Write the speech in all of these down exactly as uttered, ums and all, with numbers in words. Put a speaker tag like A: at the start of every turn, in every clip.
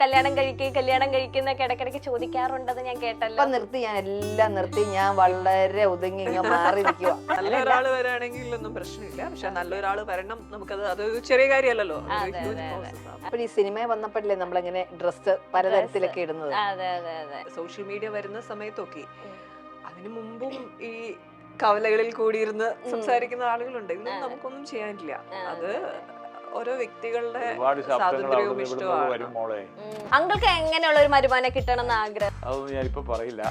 A: കല്യാണം കഴിക്കുക കല്യാണം കഴിക്കുന്നൊക്കെ ഇടയ്ക്കിടയ്ക്ക് ചോദിക്കാറുണ്ടെന്ന് ഞാൻ കേട്ടല്ലോ.
B: ഇപ്പൊ നിർത്തി, ഞാൻ എല്ലാം നിർത്തി, ഞാൻ വളരെ ഒതുങ്ങി ഇങ്ങനെ മാറി നിൽക്കുക.
C: നല്ലൊരാള് വരാണെങ്കിൽ ഒന്നും പ്രശ്നമില്ല, പക്ഷെ നല്ലൊരാള് വരണം, നമുക്കത് അതൊരു ചെറിയ കാര്യമല്ലല്ലോ.
B: അപ്പൊ ഈ സിനിമ വന്നപ്പോഴല്ലേ നമ്മളിങ്ങനെ ഡ്രസ്സ് പലതരത്തിലൊക്കെ ഇടുന്നത്.
A: അതെ അതെ അതെ.
C: സോഷ്യൽ മീഡിയ വരുന്ന സമയത്തൊക്കെ അതിനു മുമ്പും ഈ കവലകളിൽ കൂടിയിരുന്ന് സംസാരിക്കുന്ന ആളുകളുണ്ട്. ഇതൊന്നും നമുക്കൊന്നും ചെയ്യാനില്ല. അത് ഓരോ വ്യക്തികളുടെ സ്വാതന്ത്ര്യവും ഇഷ്ടമാണ്.
A: അങ്കിൾക്ക് എങ്ങനെയുള്ള ഒരു വരുമാനം കിട്ടണം എന്ന് ആഗ്രഹം?
D: അതൊന്നും ഞാനിപ്പോ പറയില്ല.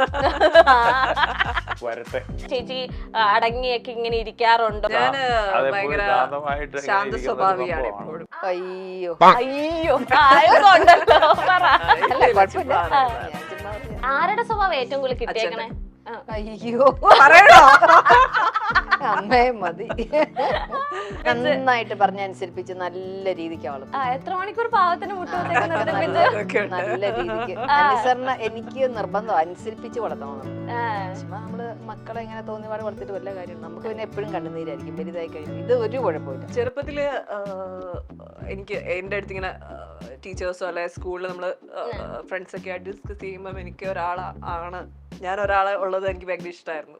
D: വരട്ടെ.
A: ചേച്ചി അടങ്ങിയൊക്കെ ഇങ്ങനെ ഇരിക്കാറുണ്ടോ?
C: ഞാന് ഭയങ്കര ശാന്ത സ്വഭാവിയാണ് എപ്പോഴും.
B: അയ്യോ
A: അയ്യോ ആയതുകൊണ്ടല്ലോ.
B: അല്ല കുഴപ്പമില്ല.
A: ആരുടെ സ്വഭാവം ഏറ്റവും കൂടുതൽ കിട്ടിയേക്കണേ?
B: അയ്യോ
C: പറയണോ?
B: അമ്മേ മതി. നന്നായിട്ട് പറഞ്ഞ അനുസരിപ്പിച്ച് നല്ല രീതിക്ക് അവള്
A: എത്ര മണിക്കൂർ പാവത്തിന് മുട്ടുകൊടുത്തേക്ക്
B: നല്ല രീതിക്ക് അനുസരണ എനിക്ക് നിർബന്ധം അനുസരിപ്പിച്ച് വളർത്തണം. ചുമ്മാ നമ്മള് മക്കളെ ഇങ്ങനെ തോന്നി പാട് വളർത്തിട്ട് വല്ല കാര്യം. നമുക്ക് പിന്നെ എപ്പോഴും കണ്ണുനീരായിരിക്കും വലുതായി കഴിയും. ഇത് ഒരു കുഴപ്പമില്ല.
C: ചെറുപ്പത്തില് എനിക്ക് എന്റെ അടുത്ത് ഇങ്ങനെ ടീച്ചേഴ്സോ അല്ലെ സ്കൂളിൽ നമ്മള് ഫ്രണ്ട്സ് ഒക്കെ ആയിട്ട് ഡിസ്കസ് ചെയ്യുമ്പോൾ എനിക്ക് ഒരാളാണ് ഞാൻ ഒരാളെ ഉള്ളത് എനിക്ക് ഭയങ്കര ഇഷ്ടമായിരുന്നു.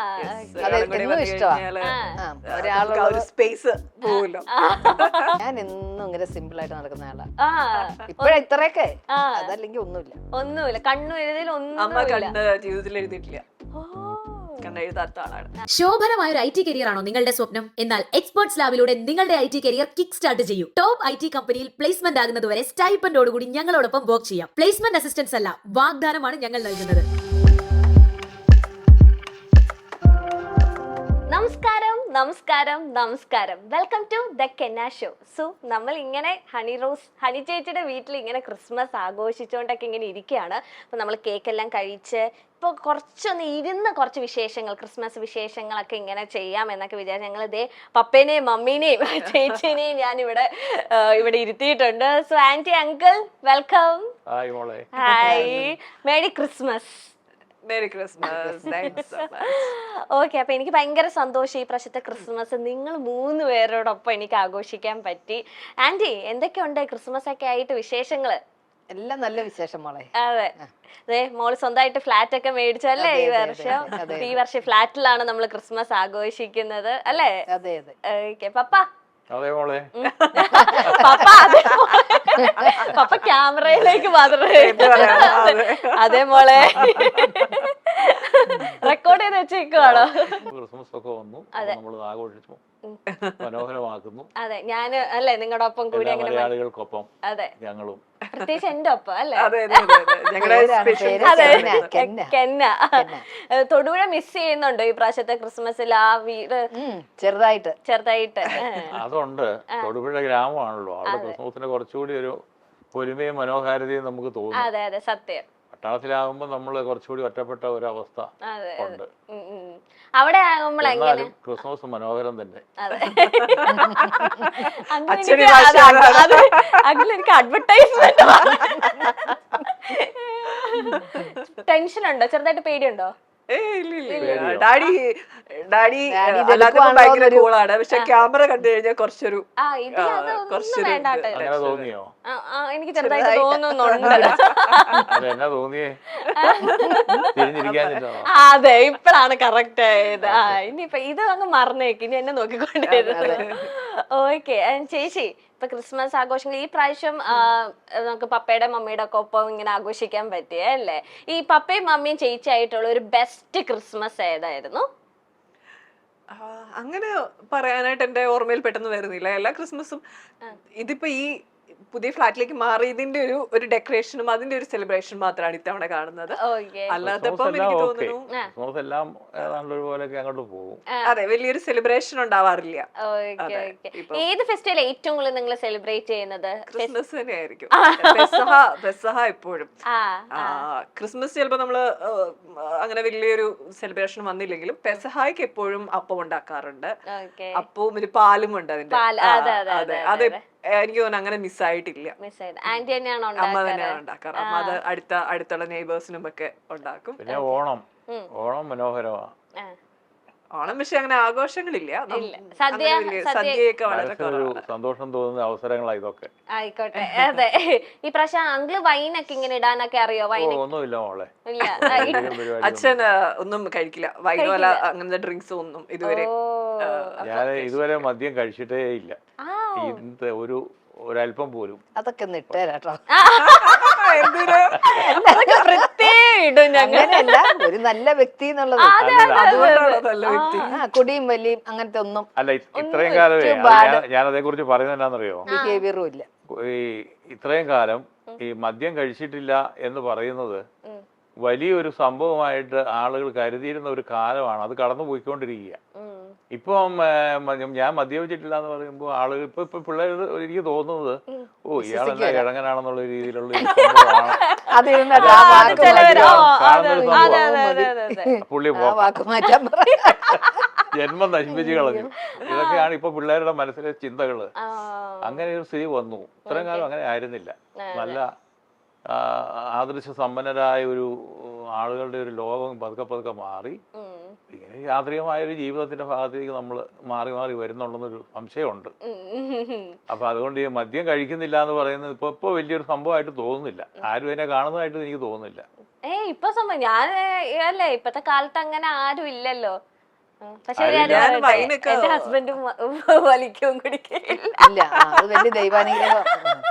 C: സ്പേസ് പോവില്ല.
B: ഞാൻ എന്നും ഇങ്ങനെ സിമ്പിൾ ആയിട്ട് നടക്കുന്ന ആളാ. ഇപ്പഴ ഇത്രയൊക്കെ അതല്ലെങ്കിൽ ഒന്നുമില്ല
A: ഒന്നുമില്ല. കണ്ണു എഴുതിയിൽ
C: അമ്മ കണ്ണ് ജീവിതത്തിൽ എഴുതിയിട്ടില്ല. കണ്ണെഴുതാത്ത ആളാണ്.
E: ശോഭനമായ ഒരു ഐ ടി കരിയർ ആണോ നിങ്ങളുടെ സ്വപ്നം? എന്നാൽ എക്സ്പേർട്സ് ലാബിലൂടെ നിങ്ങളുടെ I T career kick start ചെയ്യൂ. ടോപ്പ് ഐ ടി കമ്പനിയിൽ പ്ലേസ്മെന്റ് ആകുന്നതുവരെ സ്റ്റൈപ്പൻഡോടുകൂടി ഞങ്ങളോടൊപ്പം വർക്ക് ചെയ്യാം. പ്ലേസ്മെന്റ് അസിസ്റ്റൻസ് അല്ല, വാഗ്ദാനമാണ് ഞങ്ങൾ നൽകുന്നത്.
A: നമസ്കാരം നമസ്കാരം നമസ്കാരം. വെൽക്കം ടു ദ കെന്ന ഷോ. സോ നമ്മൾ ഇങ്ങനെ ഹണി റോസ് ഹണി ചേച്ചിയുടെ വീട്ടിൽ ഇങ്ങനെ ക്രിസ്മസ് ആഘോഷിച്ചുകൊണ്ടൊക്കെ ഇങ്ങനെ ഇരിക്കുകയാണ്. അപ്പോൾ നമ്മൾ കേക്കെല്ലാം കഴിച്ച് ഇപ്പോൾ കുറച്ചൊന്ന് ഇരുന്ന് കുറച്ച് വിശേഷങ്ങൾ ക്രിസ്മസ് വിശേഷങ്ങളൊക്കെ ഇങ്ങനെ ചെയ്യാം എന്നൊക്കെ വിചാരിച്ചു ഞങ്ങൾ ഇതേ പപ്പേനെയും മമ്മീനെയും ചേച്ചിനെയും ഞാൻ ഇവിടെ ഇവിടെ ഇരുത്തിയിട്ടുണ്ട്. So aunty uncle welcome. Hi, merry Christmas.
C: Merry Christmas.
A: Okay, അപ്പൊ എനിക്ക് ഭയങ്കര സന്തോഷം ഈ പ്രാവശ്യത്തെ ക്രിസ്മസ് നിങ്ങൾ മൂന്ന് പേരോടൊപ്പം എനിക്ക് ആഘോഷിക്കാൻ പറ്റി. ആന്റി എന്തൊക്കെയുണ്ട് ക്രിസ്മസ് ഒക്കെ ആയിട്ട് വിശേഷങ്ങള്?
B: എല്ലാം നല്ല വിശേഷം മോളെ.
A: അതെ അതെ, മോള് സ്വന്തമായിട്ട് ഫ്ലാറ്റ് ഒക്കെ മേടിച്ചല്ലേ ഈ വർഷം? ഈ വർഷം ഫ്ലാറ്റിലാണ് നമ്മൾ ക്രിസ്മസ് ആഘോഷിക്കുന്നത് അല്ലേ?
B: അതെ അതെ.
A: Okay papa.
D: അതെ മോളെ.
A: പപ്പ പപ്പ ക്യാമറയിലേക്ക് മാത്രമേ. അതെ മോളെ, റെക്കോർഡ് ചെയ്ത് വെച്ചേക്കുവാണോ?
D: ക്രിസ്മസ് ഒക്കെ വന്നു, നമ്മൾ ആഘോഷിച്ചു മനോഹരമാക്കുന്നു.
A: അതെ, ഞാന് അല്ലേ നിങ്ങളുടെ ഒപ്പം കൂടി അങ്ങനെ
D: മലയാളികൾക്കൊപ്പം.
A: അതെ,
D: ഞങ്ങളും
A: പ്രത്യേകിച്ച് എന്റെ ഒപ്പം അല്ലേ? കെന്ന. തൊടുപുഴ മിസ് ചെയ്യുന്നുണ്ടോ ഈ പ്രാവശ്യത്തെ ക്രിസ്മസിൽ? ആ വീട്
B: ചെറുതായിട്ട്
A: ചെറുതായിട്ട്
D: അതുണ്ട്. തൊടുപുഴ ഗ്രാമമാണല്ലോ, അവിടെ ക്രിസ്മസിന് കുറച്ചുകൂടി ഒരു പൊലിമയും മനോഹാരിതയും നമുക്ക് തോന്നും.
A: അതെ അതെ സത്യം.
D: പട്ടണത്തിലാകുമ്പോ നമ്മള് കുറച്ചുകൂടി ഒറ്റപ്പെട്ട ഒരവസ്ഥ ഉണ്ട്.
A: അവിടെ ആകുമ്പോൾ എങ്ങനെ
D: ക്രിസ്മസ് മനോഹരം തന്നെ.
A: അങ്ങനെ എനിക്ക് അഡ്വർടൈസ്മെന്റ് ടെൻഷൻ ഉണ്ടോ? ചെറുതായിട്ട് പേടിയുണ്ടോ?
C: ഡാഡി ഡാഡി അല്ലാത്തപ്പോ ഭയങ്കര കൂളാണ്, പക്ഷെ ക്യാമറ കണ്ടു കഴിഞ്ഞാൽ കുറച്ചൊരു
D: തോന്നിയോ?
A: എനിക്ക് ചെറുതായിട്ട് തോന്നുന്നുണ്ട്. അതെ, ഇപ്പഴാണ് കറക്റ്റ് ആയത്. ആ ഇനിയിപ്പൊ ഇത് അങ്ങ് മറന്നേക്ക്, ഇനി എന്നെ നോക്കിക്കൊണ്ടിരുന്നത്. ഓക്കെ ചേച്ചി, ഇപ്പൊ ക്രിസ്മസ് ആഘോഷങ്ങൾ ഈ പ്രാവശ്യം നമുക്ക് പപ്പയുടെ മമ്മിയുടെ ഒക്കെ ഒപ്പം ഇങ്ങനെ ആഘോഷിക്കാൻ പറ്റിയ അല്ലേ? ഈ പപ്പയും മമ്മിയും ചേച്ചിയായിട്ടുള്ള ഒരു ബെസ്റ്റ് ക്രിസ്മസ് ഏതായിരുന്നു?
C: അങ്ങനെ പറയാനായിട്ട് എന്റെ ഓർമ്മയിൽ പെട്ടെന്ന് വരുന്നില്ല. എല്ലാ ക്രിസ്മസും ഇതിപ്പോ ഈ പുതിയ ഫ്ലാറ്റിലേക്ക് മാറിയതിന്റെ ഒരു ഒരു ഡെക്കറേഷനും അതിന്റെ ഒരു സെലിബ്രേഷൻ മാത്രമാണ് ഇത്തവണ കാണുന്നത്. അല്ലാത്തപ്പം എനിക്ക് തോന്നുന്നു അതെ വലിയൊരു സെലിബ്രേഷൻ ഉണ്ടാവാറില്ല.
A: ഏത് ഫെസ്റ്റിവൽ ഏറ്റവും കൂടുതൽ നിങ്ങൾ സെലിബ്രേറ്റ് ചെയ്യുന്നത്?
C: ക്രിസ്മസ് തന്നെയായിരിക്കും. പെസഹ എപ്പോഴും. ക്രിസ്മസ് ചിലപ്പോ നമ്മള് അങ്ങനെ വലിയൊരു സെലിബ്രേഷൻ വന്നില്ലെങ്കിലും പെസഹായ്ക്ക് എപ്പോഴും അപ്പം ഉണ്ടാക്കാറുണ്ട്. അപ്പവും ഒരു പാലും ഉണ്ട് അതിന്റെ. അതെ, അത് എനിക്ക് തോന്നുന്നു അങ്ങനെ മിസ്സായിട്ടില്ല. അമ്മ തന്നെയാണ് ഉണ്ടാക്കാറ്. അമ്മ അത് അടുത്ത അടുത്തുള്ള നെയ്ബേഴ്സിനും ഒക്കെ ഉണ്ടാക്കും.
D: പിന്നെ ഓണം ഓണം മനോഹരമാണ്.
C: ഓണം പക്ഷെ അങ്ങനെ ആഘോഷങ്ങളില്ല. നം-
A: ഇല്ല.
C: അങ്ങനെ
A: സദ്യ
C: വലിയ
A: സദ്യ
C: സദ്യയൊക്കെ വളരെ
D: മനസ്സിനൊരു
C: കുറവാണ്.
D: സന്തോഷം തോന്നുന്ന അവസരങ്ങളാണ് ഇതൊക്കെ.
A: ആയിക്കോട്ടെ. അതെ, ഈ പ്രാവശ്യം അങ്കിള് വൈനൊക്കെ ഇങ്ങനെ ഇടാനൊക്കെ അറിയോ?
D: ഓ
A: വൈന
D: ഒന്നുമില്ല മോളെ,
A: ഇല്ല. ആ, ഇ-
D: എന്തെങ്കിലും പരിപാടി
C: അച്ഛൻ ആ, ഒന്നും കഴിക്കില്ല, വൈനോല അങ്ങനത്തെ ഡ്രിങ്ക്സ് ഒന്നും ഇതുവരെ.
A: ഓ.
D: ഞാൻ ഇതുവരെ മദ്യം കഴിച്ചിട്ടേ ഇല്ല,
A: ആ.
D: ഇന്നത്തെ ഒരു ഒരല്പം പോലും.
B: അതൊക്കെ ഒന്ന് ഇട്ടേരാട്ടോ.
C: എന്തിനാ?
A: അതൊക്കെ പ്രത്യേകം ഇടും ഞങ്ങൾ.
B: അങ്ങനെയല്ല, ഒരു നല്ല വ്യക്തി എന്നുള്ളത്.
D: അല്ലല്ല,
C: അതുകൊണ്ടാണോ നല്ല വ്യക്തി?
B: ആ, കുടിയും വലിയും അങ്ങനത്തെ ഒന്നും
D: അല്ല ഇ- ഇത്രയും കാലമേ
B: too
D: അത്
B: bad.
D: ഞാൻ- ഞാൻ അതേ കുറിച്ച് പറയുന്നത് എന്നാന്നറിയോ,
B: ബിഹേവിയറും ഇല്ല.
D: ഈ ഇത്രയും കാലം ഈ മദ്യം കഴിച്ചിട്ടില്ല എന്ന് പറയുന്നത് വലിയൊരു സംഭവമായിട്ട് ആളുകൾ കരുതിയിരുന്ന ഒരു കാലമാണ്. അത് കടന്നു പോയിക്കൊണ്ടിരിക്കുക. ഇപ്പം ഏർ, മ- ഞാൻ മദ്യപിച്ചിട്ടില്ല എന്ന് പറയുമ്പോൾ ആളുകൾ ഇപ്പൊ ഇപ്പൊ പിള്ളേർ എനിക്ക് തോന്നുന്നത് ഓ ഇയാളെല്ലാം കിഴങ്ങനാണെന്നുള്ള രീതിയിലുള്ള ഒരു സംഭവമാണ്.
B: അത് ഇരുന്നിട്ട് ആ വാക്ക്
A: ചിലവര്
B: മാറ്റി.
A: ഓ,
D: കാണുന്ന ഒരു
A: അതെ, അതെ,
D: സംഭവം.
A: അതെ, അതെ, അതെ.
D: പുള്ളി
B: ആ
D: പോക്കാം,
B: വാക്ക് മാറ്റാൻ പറയാം.
D: ജന്മം നശിപ്പിച്ച് കളഞ്ഞു. ഇതൊക്കെയാണ് ഇപ്പൊ പിള്ളേരുടെ മനസ്സിലെ ചിന്തകള്.
A: ആ.
D: അങ്ങനെ ഒരു സ്ഥിതി വന്നു. ഇത്രയും കാലം അങ്ങനെ ആയിരുന്നില്ല. നല്ല ആ, ആദർശ സമ്പന്നരായ ഒരു ആളുകളുടെ ഒരു ലോകം പതുക്കെ പതുക്കെ മാറി
A: ഉം.
D: ഇങ്ങനെ യാന്ത്രികമായ ഒരു ജീവിതത്തിന്റെ ഭാഗത്തേക്ക് നമ്മൾ മാറി മാറി വരുന്നുണ്ടെന്നൊരു സംശയമുണ്ട്.
A: ഉം.
D: അപ്പൊ അതുകൊണ്ട് ഈ മദ്യം കഴിക്കുന്നില്ല എന്ന് പറയുന്നത് ഇപ്പൊ ഇപ്പൊ വലിയൊരു സംഭവമായിട്ട് തോന്നുന്നില്ല. ആരും അതിനെ കാണുന്നതായിട്ട് എനിക്ക് തോന്നുന്നില്ല.
A: ഏയ് ഇപ്പൊ സംഭവം ഞാൻ അല്ലേ ഇപ്പത്തെ കാലത്ത് അങ്ങനെ ആരും ഇല്ലല്ലോ. ഉം. പക്ഷെ ഒരു
D: ആരും
A: കാര്യം
C: ഞാൻ
A: പറയട്ടെ,
C: വൈനൊക്കെ
A: എന്റെ ഹസ്ബൻഡും വലിക്കും കുടിക്കില്ല.
B: ഇല്ല, ആ, അത് വലിയ ദൈവാനുഗ്രഹം.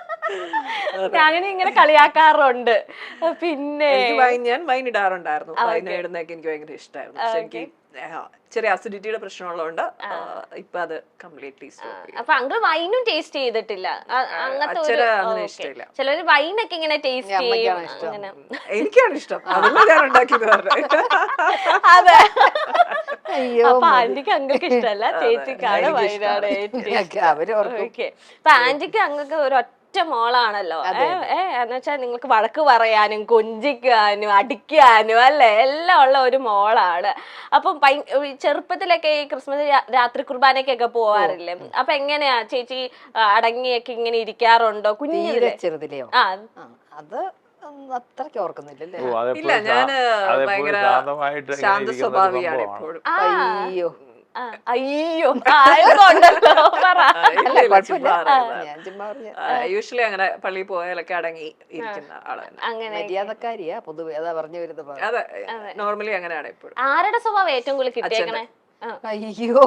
A: അങ്ങനെ ഇങ്ങനെ കളിയാക്കാറുണ്ട്. പിന്നെ
C: എനിക്ക് വൈൻ ഞാൻ വൈൻ ഇടാറുണ്ടായിരുന്നു. വൈൻ ഇടുന്നതൊക്കെ എനിക്ക് ഭയങ്കര ഇഷ്ടമായിരുന്നു. പക്ഷെ എനിക്ക് ആ, ചെറിയ അസിഡിറ്റിയുടെ പ്രശ്നമുള്ളതുകൊണ്ട് ഇപ്പൊ അത് കംപ്ലീറ്റ്ലി സ്റ്റോപ്പ് ചെയ്തു.
A: അപ്പൊ അങ്കിൾ വൈനും ടേസ്റ്റ് ചെയ്തിട്ടില്ല. അ- അങ്ങനത്തെ ഒരു
C: അച്ഛന് അങ്ങനെ
A: ഓക്കേ.
C: ഇഷ്ടമില്ല.
A: ചിലര് വൈനൊക്കെ ഇങ്ങനെ ടേസ്റ്റ് ചെയ്യും.
B: അമ്മയ്ക്കാണ് ഇഷ്ടം.
A: അങ്ങനെ
C: എനിക്കാണ് ഇഷ്ടം, അതല്ല ഞാൻ ഉണ്ടാക്കിയത് പറഞ്ഞത്.
A: അതെ.
B: അയ്യോ
A: അപ്പൊ ആന്റിക്ക് അങ്കിൾക്ക് ഇഷ്ടമല്ല, ചേച്ചിക്കാണ്
C: എനിക്ക്
A: വയനാട് ഏറ്റവും
B: ഒക്കെ അവര് ഓർക്കും.
A: ഓക്കെ. അപ്പൊ ആന്റിക്ക് അങ്ങൾക്ക് ഒരു ഒറ്റ മോളാണല്ലോ. ഏ ഏ, എന്ന് വെച്ചാൽ നിങ്ങൾക്ക് വഴക്ക് പറയാനും കൊഞ്ചിക്കാനും അടിക്കാനും അല്ലെ എല്ലാം ഉള്ള ഒരു മോളാണ്. അപ്പം ഭയ- ഈ ചെറുപ്പത്തിലൊക്കെ ഈ ക്രിസ്മസ് രാ- രാത്രി കുർബാനക്കൊക്കെ പോവാറില്ലേ? അപ്പൊ എങ്ങനെയാ ചേച്ചി ആ, അടങ്ങിയൊക്കെ ഇങ്ങനെ ഇരിക്കാറുണ്ടോ
B: തീരെ
A: കുഞ്ഞിലെ?
B: ചെറുതിലെയോ?
A: ആ
B: ആ, അത് ഒന്നും അത്രയ്ക്ക് ഓർക്കുന്നില്ലല്ലേ.
D: ഓ, അതെപ്പോഴും
C: ഇല്ല, ഞാന്
D: ശാ- അതെപ്പോഴും
C: ഭയങ്കര
D: ശാന്തമായിട്ട് ഇങ്ങനെ
C: ശാന്ത
D: ഇരിക്കുന്ന ഒരു
C: സ്വഭാവിയാണ്
D: സംഭവമാണ്.
C: എപ്പോഴും.
A: ആ.
B: അയ്യോ,
A: ആ, അയ്യോ ആയതുകൊണ്ടല്ലോ പറ.
B: അല്ല കുഴപ്പമില്ല, ഞാൻ ചുമ്മാ പറഞ്ഞ
C: യൂഷ്വലി അങ്ങനെ പള്ളിയിൽ പോയാലൊക്കെ അടങ്ങി ഇരിക്കുന്ന ആളാണ്.
A: അങ്ങനെ
B: മര്യാദക്കാരിയാ പൊതുവെ, അതാ പറഞ്ഞു വരുന്നത്.
C: അതെ, നോർമലി അങ്ങനെയാണ് എപ്പോഴും.
A: ആരുടെ സ്വഭാവം ഏറ്റവും കൂടുതൽ കിട്ടിയേക്കണേ? ആ.
B: അയ്യോ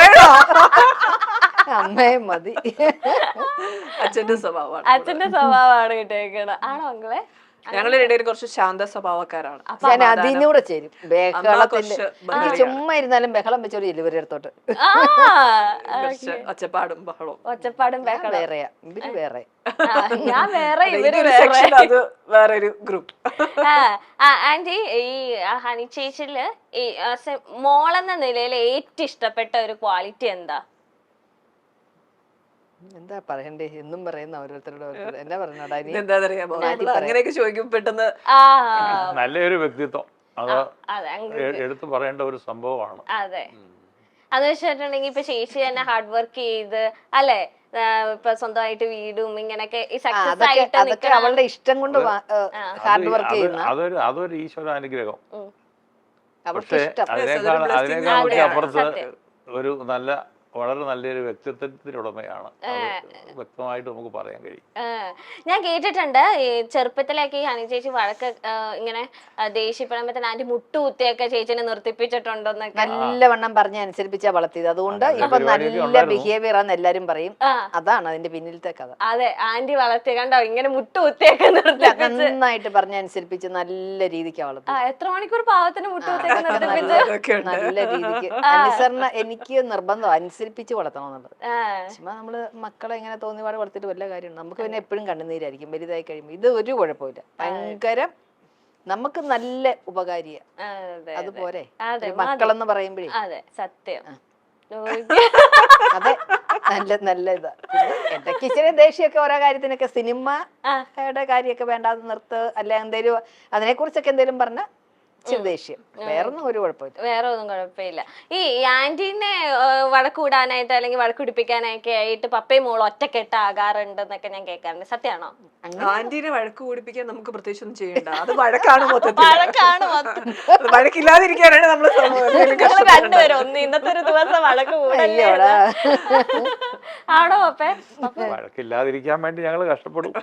B: അമ്മേ മതി.
C: അച്ഛന്റെ സ്വഭാവമാണ്.
A: അച്ഛന്റെ സ്വഭാവമാണ് കിട്ടിയേക്കണ. ആണോ അങ്ങളെ?
C: ഞങ്ങളുടെ ഇടയിൽ കുറച്ച് ശാന്ത സ്വഭാവക്കാരാണ്.
B: ഞാൻ അതിനൂടെ ചേരും. ബഹളത്തിന്റെ
C: കുറച്ച്
B: എനിക്ക് ചുമ്മാ ഇരുന്നാലും ബഹളം വെച്ചോളൂ ഇവരുടെ അടുത്തോട്ട്.
A: ആ,
C: കുറച്ച് ഒച്ചപ്പാടും ബഹളവും.
A: ഒച്ചപ്പാടും
B: ഞാൻ
A: ബഹളം.
B: വേറെയാ, ഇവര് വേറെ.
A: ആ, ഞാൻ വേറെ ഇവര്
C: ഇതൊരു
A: വേറെ.
C: section, അത് വേറൊരു ഗ്രൂപ്പ്.
A: ആ, ആ, ആന്റി ഈ ആ, ഹണി ചേച്ചിയില് ഈ ആ, സെ- മോളെന്ന നിലയിൽ ഏറ്റവും ഇഷ്ടപ്പെട്ട ഒരു ക്വാളിറ്റി എന്താ?
B: എന്താ പറയണ്ടേ, എന്നും പറയുന്ന ഓരോരുത്തരോട് ഓരോരുത്തർ എന്നാ പറഞ്ഞോടാ ഇനി.
C: എന്താ അറിയാമോ, നമ്മള് അങ്ങനെയൊക്കെ ചോദിക്കും പെട്ടെന്ന്.
A: ആ,
D: നല്ലൊരു വ്യക്തിത്വം അത്
A: അതെ അങ്കിൾ.
D: എ- എടുത്തു പറയേണ്ട ഒരു സംഭവമാണ്.
A: അതെ, അതെന്ന് വെച്ചിട്ടുണ്ടെങ്കിൽ ഇപ്പൊ ചേച്ചി തന്നെ ഹാർഡ് വർക്ക് ചെയ്ത് അല്ലെ ഇപ്പൊ സ്വന്തമായിട്ട് വീടും ഇങ്ങനെയൊക്കെ ഈ
B: ആ,
A: സക്സസ്
B: അതൊക്കെ
A: ആയിട്ട്
B: അതൊക്കെ
A: നിൽക്കണം.
B: അവളുടെ ഇഷ്ടം കൊണ്ട് ഹാർഡ്
D: അത്
B: വർക്ക്
D: അത്
B: ചെയ്യുന്ന
D: അതൊരു അതൊരു ഈശ്വരാനുഗ്രഹം.
B: അവൾക്ക്
D: പക്ഷെ
B: ഇഷ്ടം.
D: അതിനേക്കാൾ
C: blessing
D: അതിനേക്കാൾ ഒക്കെ
C: കൂടിയാണ്.
D: അപ്പുറത്ത്
A: സത്യം.
D: ഒരു നല്ല വളരെ നല്ലൊരു വ്യക്തിത്വത്തിനുടമയാണ്. അത് വ്യക്തമായിട്ട് നമുക്ക് പറയാൻ കഴിയും.
A: ആ, ഞാൻ കേട്ടിട്ടുണ്ട് ഈ ചെറുപ്പത്തിലൊക്കെ ഈ ഹണി ചേച്ചി വഴക്ക് ആ, ഇങ്ങനെ ആ, ദേഷ്യപ്പെടുമ്പോ ആന്റി മുട്ടുകുത്തിയൊക്കെ ചേച്ചിനെ നിർത്തിപ്പിച്ചിട്ടുണ്ടോന്നൊക്കെ.
B: നല്ലവണ്ണം പറഞ്ഞ് അനുസരിപ്പിച്ചാ വളർത്തിയത്. അതുകൊണ്ട്
D: അങ്ങനെ
B: ഇപ്പൊ
D: പരിപാടിയൊക്കെ
B: നല്ല
D: ഉണ്ടായിരുന്നു.
B: ബിഹേവിയർ ആണെന്ന് എല്ലാരും പറയും.
A: ആ,
B: അതാണ് അതിന്റെ പിന്നിലത്തെ കഥ.
A: അതെ ആന്റി വളർത്തി കണ്ടോ ഇങ്ങനെ മുട്ടുകുത്തിയൊക്കെ നിർത്തിപ്പിച്ച്.
B: നന്നായിട്ട് പറഞ്ഞ് അനുസരിപ്പിച്ച് നല്ല രീതിക്കാ
A: ആ,
B: വളർത്തുന്നത്.
A: എത്ര മണിക്കൂർ പാവത്തിന് മുട്ടുകുത്തിയൊക്കെ നിർത്തിപ്പിച്ച്.
C: അതൊക്കെ ഉണ്ട്.
B: നല്ല രീതിക്ക് അനുസരണ എനിക്ക് നിർബന്ധം അനുസരിപ്പിച്ച് വളർത്തണം എന്നുള്ളത്.
A: ആ,
B: ചുമ്മാ നമ്മള് മക്കളെ ഇങ്ങനെ തോന്നിപാട് വളർത്തിട്ട് വല്ല കാര്യമുണ്ട്. നമുക്ക് പിന്നെ എപ്പോഴും കണ്ണുനീരായിരിക്കും വലുതായി കഴിയുമ്പോൾ. ഇത് ഒരു കുഴപ്പമില്ല, ഭയങ്കര നമുക്ക് നല്ല ഉപകാരിയ.
A: ആ, അതെ,
B: അതുപോലെ
A: അതെ,
B: ഒരു മക്കളെന്ന് പറയുമ്പോഴേ
A: അതെ സത്യം.
B: അതെ നല്ല നല്ല ഇതാ. പിന്നെ ഇടയ്ക്ക് ഇച്ചിരി ദേഷ്യമൊക്കെ ഓരോ കാര്യത്തിനൊക്കെ സിനിമയുടെ കാര്യമൊക്കെ വേണ്ടാതെ നിർത്ത്, അല്ലെ എന്തേലും അതിനെ കുറിച്ചൊക്കെ എന്തേലും പറഞ്ഞ ഇച്ചിരി ദേഷ്യം, വേറൊന്നും ഒരു കുഴപ്പമില്ല.
A: വേറെ ഒന്നും കുഴപ്പമില്ല. ഈ ആന്റീനെ വഴക്ക് കൂടാനായിട്ട് അല്ലെങ്കിൽ വഴക്ക് പിടിപ്പിക്കാനൊക്കെ ആയിട്ട് പപ്പയും മോളും ഒറ്റക്കെട്ടാകാറുണ്ടെന്നൊക്കെ ഞാൻ കേൾക്കാറുണ്ട്. സത്യമാണോ?
C: ആന്റീനെ വഴക്ക് കൂടിപ്പിക്കാൻ നമുക്ക് പ്രത്യേകിച്ച് ഒന്നും ചെയ്യണ്ട, അത് വഴക്കാണ് മൊത്തത്തിൽ.
A: വഴക്കാണ് മൊത്തം.
C: വഴക്കില്ലാതിരിക്കാനാണ് നമ്മള്
A: നമ്മള് രണ്ടുപേരും ഒന്ന് ഇന്നത്തെ ഒരു ദിവസം വഴക്ക് കൂടല്ലേ? ആണോ പപ്പേ?
D: വഴക്കില്ലാതിരിക്കാൻ വേണ്ടി ഞങ്ങൾ കഷ്ടപ്പെടും.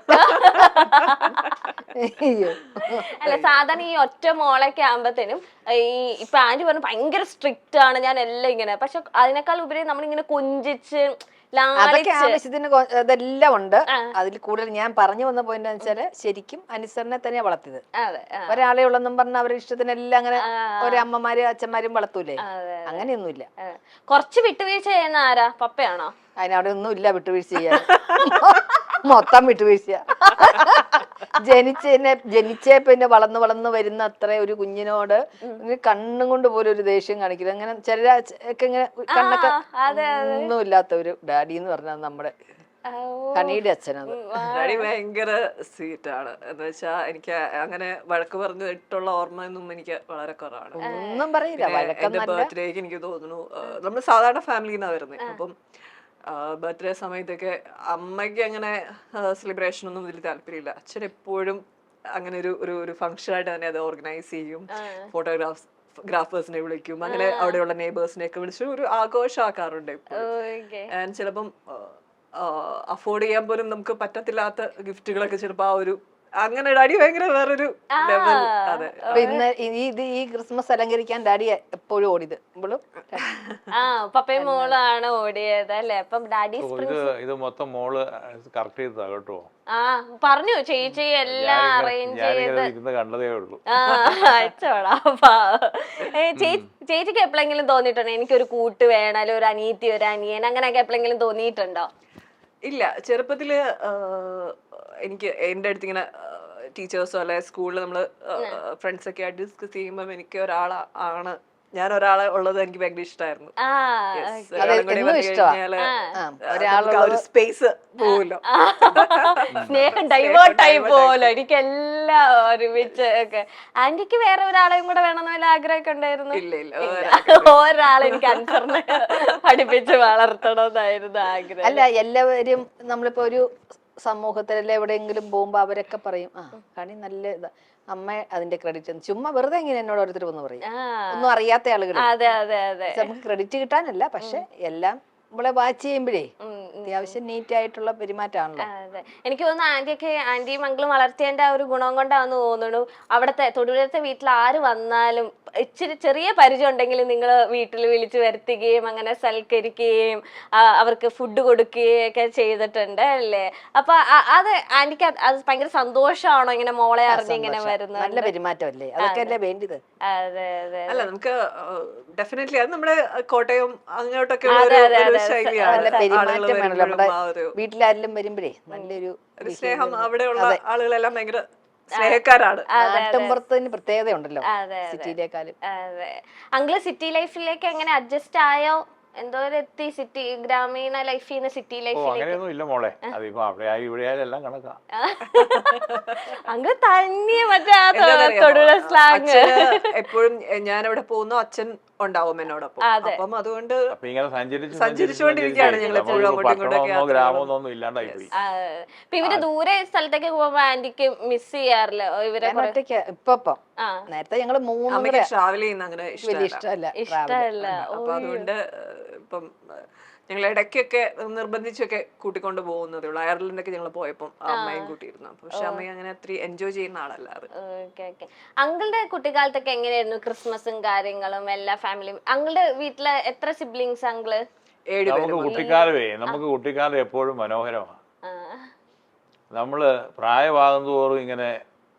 A: അല്ല, സാധാരണ ഈ ഒറ്റ മോളൊക്കെ ആകുമ്പത്തേനും ഈ ഇപ്പൊ ആന്റി പറഞ്ഞു ഭയങ്കര സ്ട്രിക്റ്റ് ആണ് ഞാൻ എല്ലാം ഇങ്ങനെ, പക്ഷെ അതിനേക്കാൾ ഉപരി നമ്മളിങ്ങനെ കൊഞ്ചിച്ച്
B: അതൊക്കെ ആവശ്യത്തിന് ഇതെല്ലാം ഉണ്ട്. അതിൽ കൂടുതൽ ഞാൻ പറഞ്ഞു വന്ന പോയിന്റ് വെച്ചാല് ശരിക്കും അനുസരണെ തന്നെയാ വളർത്തിയത്. ഒരാളെ ഉള്ളെന്നും പറഞ്ഞ അവരുടെ ഇഷ്ടത്തിനെല്ലാം അങ്ങനെ ഒരമ്മമാരും അച്ഛന്മാരും വളർത്തൂലേ, അങ്ങനെയൊന്നുമില്ല.
A: കുറച്ച് വിട്ടുവീഴ്ച ചെയ്യുന്ന ആരാ? പപ്പയാണോ?
B: അതിനവിടെ ഒന്നും ഇല്ല വിട്ടുവീഴ്ച ചെയ്യാൻ, മൊത്തം വിട്ടുവീഴ്ച. ജനിച്ചതിനെ ജനിച്ചേ പിന്നെ വളർന്ന് വളർന്ന് വരുന്ന അത്ര ഒരു കുഞ്ഞിനോട് കണ്ണും കൊണ്ട് പോലും ഒരു ദേഷ്യം കാണിക്കില്ല. അങ്ങനെ ചിലരൊക്കെ ഇങ്ങനെ കണ്ണൊക്കെ ഒന്നും ഇല്ലാത്ത ഒരു ഡാഡി എന്ന് പറഞ്ഞാൽ നമ്മുടെ ഹണിയുടെ അച്ഛനത്.
C: ഡാഡി ഭയങ്കര സ്വീറ്റ് ആണ്. എന്ന് വെച്ചാ എനിക്ക് അങ്ങനെ വഴക്ക് പറഞ്ഞിട്ടുള്ള ഓർമ്മയൊന്നും എനിക്ക് വളരെ കുറവാണ്.
B: ഒന്നും പറയില്ല.
C: എന്റെ ബർത്ത്ഡേക്ക് എനിക്ക് തോന്നുന്നു, നമ്മൾ സാധാരണ ഫാമിലിന്നാ വരുന്നത്, അപ്പം ബർത്ത്ഡേ സമയത്തൊക്കെ അമ്മയ്ക്ക് അങ്ങനെ സെലിബ്രേഷൻ ഒന്നും വലിയ താല്പര്യമില്ല. അച്ഛൻ എപ്പോഴും അങ്ങനെ ഒരു ഒരു ഒരു ഫംഗ്ഷൻ ആയിട്ട് തന്നെ അത് ഓർഗനൈസ് ചെയ്യും, ഫോട്ടോഗ്രാഫ്സ് ഗ്രാഫേഴ്സിനെ വിളിക്കും, അങ്ങനെ അവിടെയുള്ള നെയ്ബേഴ്സിനെ ഒക്കെ വിളിച്ച് ഒരു ആഘോഷമാക്കാറുണ്ട് ഇപ്പോഴും. ചിലപ്പം അഫോർഡ് ചെയ്യാൻ പോലും നമുക്ക് പറ്റത്തില്ലാത്ത ഗിഫ്റ്റുകളൊക്കെ ചിലപ്പോ ആ ഒരു അങ്ങനെ ഡാഡി ഭയങ്കര വേറൊരു ലെവൽ. അതെ,
B: പിന്നെ ഇത് ഈ ക്രിസ്മസ് അലങ്കരിക്കാൻ ഡാഡി എപ്പോഴും ഓടിയത് ഇവളും
A: ആ പപ്പയും മോളാണ് ഓടിയത് അല്ലേ? അപ്പം ഡാഡി
D: ഇത് മൊത്തം മോള് കറക്റ്റ് ചെയ്തതാ കേട്ടോ.
A: ആ പറഞ്ഞു ചേച്ചി എല്ലാം അറേഞ്ച് ചെയ്ത്
D: കണ്ടതേ ഉള്ളൂ.
A: ആ അയച്ചോടാ. ചേച്ചിക്ക് എപ്പോഴെങ്കിലും തോന്നിയിട്ടുണ്ടോ എനിക്കൊരു കൂട്ട് വേണം, അല്ലെങ്കിൽ ഒരു അനിയത്തി ഒരു അനിയൻ അങ്ങനെയൊക്കെ എപ്പോഴെങ്കിലും തോന്നിയിട്ടുണ്ടോ?
C: ഇല്ല, ചെറുപ്പത്തില് എനിക്ക് എൻ്റെ അടുത്ത് ഇങ്ങനെ ടീച്ചേഴ്സോ അല്ലെ സ്കൂളിൽ നമ്മള് ഫ്രണ്ട്സ് ഒക്കെ ആയിട്ട് ഡിസ്കസ് ചെയ്യുമ്പോൾ എനിക്ക് ഒരാളാണ് ഞാൻ ഒരാളെ ഉള്ളത് എനിക്ക് ഭയങ്കര ഇഷ്ടമായിരുന്നു. ഒരു സ്പേസ് പോവല്ലോ,
A: സ്നേഹം ഡൈവേർട്ട് ആയി പോവല്ലോ. എനിക്കെല്ലാം ഒരുമിച്ച് ഒക്കെ. ആന്റിക്ക് വേറെ ഒരാളെയും കൂടെ വേണമെന്ന് വല്ല ആഗ്രഹമൊക്കെ ഉണ്ടായിരുന്നു?
C: ഇല്ല ഇല്ല,
A: ഒരാളെ എനിക്ക് അനുസരണ പഠിപ്പിച്ച് വളർത്തണമെന്നായിരുന്നു ആഗ്രഹം.
B: അല്ല, എല്ലാവരും നമ്മളിപ്പോ ഒരു സമൂഹത്തിലെ എവിടെയെങ്കിലും പോകുമ്പോ അവരൊക്കെ പറയും ആ കണി നല്ല ഇതാ, അമ്മ അതിന്റെ ക്രെഡിറ്റ് ചുമ്മാ വെറുതെ ഇങ്ങനെ എന്നോട് ഓരോരുത്തർ വന്ന് പറയും, ഒന്നും അറിയാത്ത ആളുകൾ. നമുക്ക് ക്രെഡിറ്റ് കിട്ടാനല്ല, പക്ഷെ എല്ലാം നമ്മളെ വാച്ച് ചെയ്യുമ്പോഴേ അത്യാവശ്യം നീറ്റ് ആയിട്ടുള്ള പെരുമാറ്റമാണല്ലോ.
A: എനിക്ക് തോന്നുന്നു ആന്റിയൊക്കെ ആന്റിയും മംഗളും വളർത്തിയതിന്റെ ആ ഒരു ഗുണം കൊണ്ടാന്ന് തോന്നുന്നു. അവിടത്തെ തൊടുപുഴത്തെ വീട്ടിൽ ആര് വന്നാലും ഇച്ചിരി ചെറിയ പരിചയം ഉണ്ടെങ്കിലും നിങ്ങൾ വീട്ടിൽ വിളിച്ചു വരുത്തുകയും അങ്ങനെ സൽക്കരിക്കുകയും അവർക്ക് ഫുഡ് കൊടുക്കുകയും ഒക്കെ ചെയ്തിട്ടുണ്ട് അല്ലേ? അപ്പൊ അത് ആന്റിക്ക് അത് ഭയങ്കര സന്തോഷമാണോ ഇങ്ങനെ മോളെ അറിഞ്ഞ് ഇങ്ങനെ വരുന്നത്?
B: നല്ല പെരുമാറ്റമല്ലേ, അതൊക്കെ അല്ലേ വേണ്ടത്.
A: അതെ അതെ
C: അല്ല, നമുക്ക് ഡെഫിനറ്റ്ലി അത് നമ്മുടെ കോട്ടയം അങ്ങോട്ടൊക്കെ
B: പെരുമാറ്റം വേണല്ലോ. നമ്മുടെ വീട്ടിലാരെങ്കിലും വരുമ്പോഴേ നല്ലൊരു
C: സ്നേഹം, അവിടെയുള്ള ആളുകളെല്ലാം ഭയങ്കര സ്നേഹക്കാരാണ്.
B: നാട്ടിൻപുറത്തിന് പ്രത്യേകത ഉണ്ടല്ലോ സിറ്റിയിലേക്കാളും.
A: അതെ. അങ്കിള് സിറ്റി ലൈഫിലേക്ക് എങ്ങനെ അഡ്ജസ്റ്റ് ആയോ? എന്തോ എത്തി സിറ്റി ഗ്രാമീണ ലൈഫിൽ നിന്ന് സിറ്റി ലൈഫിലേക്ക്?
D: ഇല്ല മോളെ, അതിപ്പോ അവിടെ ആയി ഇവിടെ ആയാലും എല്ലാം കണക്കാ.
A: അങ്ങ് തന്നെ മറ്റേ തൊടുപുഴ സ്ലാങ്
C: എപ്പോഴും ഞാൻ എവിടെ പോകുന്നു അച്ഛൻ ഉണ്ടാവും എന്നോടൊപ്പം. അപ്പം അതുകൊണ്ട്
D: സഞ്ചരിച്ചുകൊണ്ടിരിക്കുകയാണ് ഞങ്ങൾ എപ്പോഴും അങ്ങോട്ടും ഇങ്ങോട്ടൊക്കെ. ഗ്രാമമൊന്നും ഇല്ലാണ്ടായി പോയി.
A: ഇവര് ദൂരെ സ്ഥലത്തേക്ക് പോകുമ്പോ ആന്റിക്ക് മിസ് ചെയ്യാറില്ല ഇവരെ?
B: ഇപ്പൊ നേരത്തെ ഞങ്ങള് മൂന്ന്
C: ട്രാവൽ ചെയ്യുന്ന അങ്ങനെ
B: ഇഷ്ടമല്ല
A: ഇഷ്ടമല്ല.
C: അപ്പൊ അതുകൊണ്ട് ഇപ്പം ഞങ്ങൾ ഇടയ്ക്കൊക്കെ നിർബന്ധിച്ചൊക്കെ കൂട്ടിക്കൊണ്ട് പോകുന്നതേ ഉള്ളൂ. അയർലൻഡൊക്കെ ഞങ്ങൾ പോയപ്പം അമ്മയും കൂട്ടിയിരുന്നു. പക്ഷെ അമ്മയും അങ്ങനെ അത്ര എൻജോയ് ചെയ്യുന്ന ആളല്ല. അത്
A: അങ്കിളുടെ കുട്ടിക്കാലത്തൊക്കെ എങ്ങനെയായിരുന്നു ക്രിസ്മസും കാര്യങ്ങളും എല്ലാ ഫാമിലിയും? അങ്കിളുടെ വീട്ടില് എത്ര സിബ്ലിങ്സ് അങ്കിള്?
D: നമുക്ക് കുട്ടിക്കാലമേ നമുക്ക് കുട്ടിക്കാലം എപ്പോഴും മനോഹരമാണ്. നമ്മള് പ്രായമാകും തോറും ഇങ്ങനെ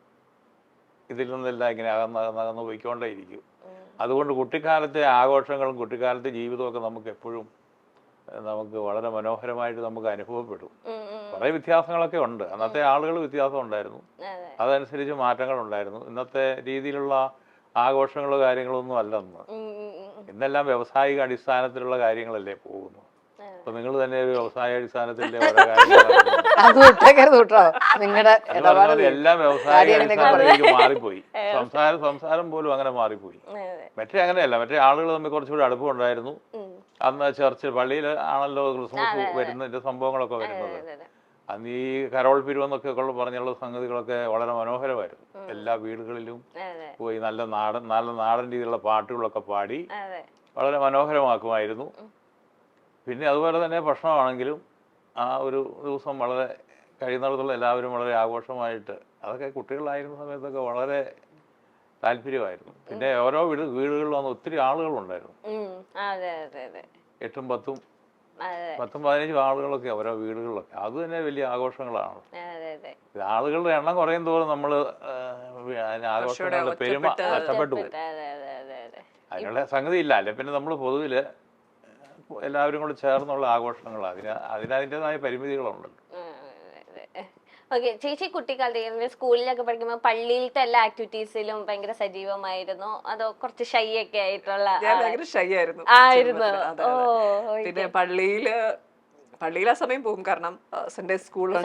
D: ഇതിൽ നിന്നെല്ലാം ഇങ്ങനെ അകന്നകന്ന് പോയിക്കൊണ്ടേയിരിക്കും. അതുകൊണ്ട് കുട്ടിക്കാലത്തെ ആഘോഷങ്ങളും കുട്ടിക്കാലത്തെ ജീവിതമൊക്കെ നമുക്ക് എപ്പോഴും നമുക്ക് വളരെ മനോഹരമായിട്ട് നമുക്ക് അനുഭവപ്പെടും. കുറെ വ്യത്യാസങ്ങളൊക്കെ ഉണ്ട്. അന്നത്തെ ആളുകൾ വ്യത്യാസം ഉണ്ടായിരുന്നു, അതനുസരിച്ച് മാറ്റങ്ങൾ ഉണ്ടായിരുന്നു. ഇന്നത്തെ രീതിയിലുള്ള ആഘോഷങ്ങളോ കാര്യങ്ങളോ ഒന്നും അല്ലെന്ന്. ഇന്നെല്ലാം വ്യാവസായിക അടിസ്ഥാനത്തിലുള്ള കാര്യങ്ങളല്ലേ പോകുന്നു. അപ്പൊ നിങ്ങൾ തന്നെ ഒരു വ്യവസായ അടിസ്ഥാനത്തിന്റെ ഓരോ കാര്യങ്ങളാണ്
B: അത് വിട്ടേക്കരുത് കേട്ടോ. നിങ്ങളുടെ
D: അത് പറഞ്ഞ പോലെ എല്ലാം വ്യവസായ അടിസ്ഥാനത്തിലേക്ക് മാറിപ്പോയി. സംസാരം സംസാരം പോലും അങ്ങനെ മാറിപ്പോയി. മറ്റേ അങ്ങനെയല്ല, മറ്റേ ആളുകൾ തമ്മിൽ കുറച്ചുകൂടി അടുപ്പമുണ്ടായിരുന്നു. അന്ന് ചർച്ച് പള്ളിയിൽ ആണല്ലോ ക്രിസ്മസ് വരുന്നതിന്റെ സംഭവങ്ങളൊക്കെ വരുന്നത്. അന്ന് ഈ കരോൾ പിരിവെന്നൊക്കെ ഉള്ള പറഞ്ഞുള്ള സംഗതികളൊക്കെ വളരെ മനോഹരമായിരുന്നു. എല്ലാ വീടുകളിലും പോയി നല്ല നാടൻ നല്ല നാടൻ രീതിയിലുള്ള പാട്ടുകളൊക്കെ പാടി വളരെ മനോഹരമാക്കുമായിരുന്നു. പിന്നെ അതുപോലെ തന്നെ ഭക്ഷണമാണെങ്കിലും ആ ഒരു ദിവസം വളരെ കഴിയുന്നിടത്തോളം എല്ലാവരും വളരെ ആഘോഷമായിട്ട്, അതൊക്കെ കുട്ടികളായിരുന്ന സമയത്തൊക്കെ വളരെ താല്പര്യമായിരുന്നു. പിന്നെ ഓരോ വീട് വീടുകളിൽ വന്ന് ഒത്തിരി ആളുകളുണ്ടായിരുന്നു. എട്ടും പത്തും പത്തും പതിനഞ്ചും ആളുകളൊക്കെ ഓരോ വീടുകളിലൊക്കെ, അത് തന്നെ വലിയ ആഘോഷങ്ങളാണ്. ആളുകളുടെ എണ്ണം കുറയും തോറും നമ്മള് ആഘോഷങ്ങളുടെ പെരുമ നഷ്ടപ്പെട്ടു പോയി. അതിനുള്ള സംഗതി ഇല്ല. അല്ലെ പിന്നെ നമ്മൾ പൊതുവില് എല്ലാവരും കൂടെ ചേർന്നുള്ള ആഘോഷങ്ങൾ, അതിന് അതിനതിൻ്റെതായ പരിമിതികളുണ്ടല്ലോ.
A: ഓക്കെ, ചേച്ചി കുട്ടിക്കാലത്ത് സ്കൂളിലൊക്കെ പഠിക്കുമ്പോൾ പള്ളിയിലത്തെ എല്ലാ ആക്ടിവിറ്റീസിലും ഭയങ്കര സജീവമായിരുന്നു, അതോ കുറച്ച് ഷൈ ഒക്കെ ആയിട്ടുള്ള?
C: ഭയങ്കര ഷൈ ആയിരുന്നു.
A: ആയിരുന്നു.
C: പിന്നെ പള്ളിയില് പള്ളിയിൽ ആ സമയം പോകും, കാരണം സൺഡേ സ്കൂളുണ്ട്,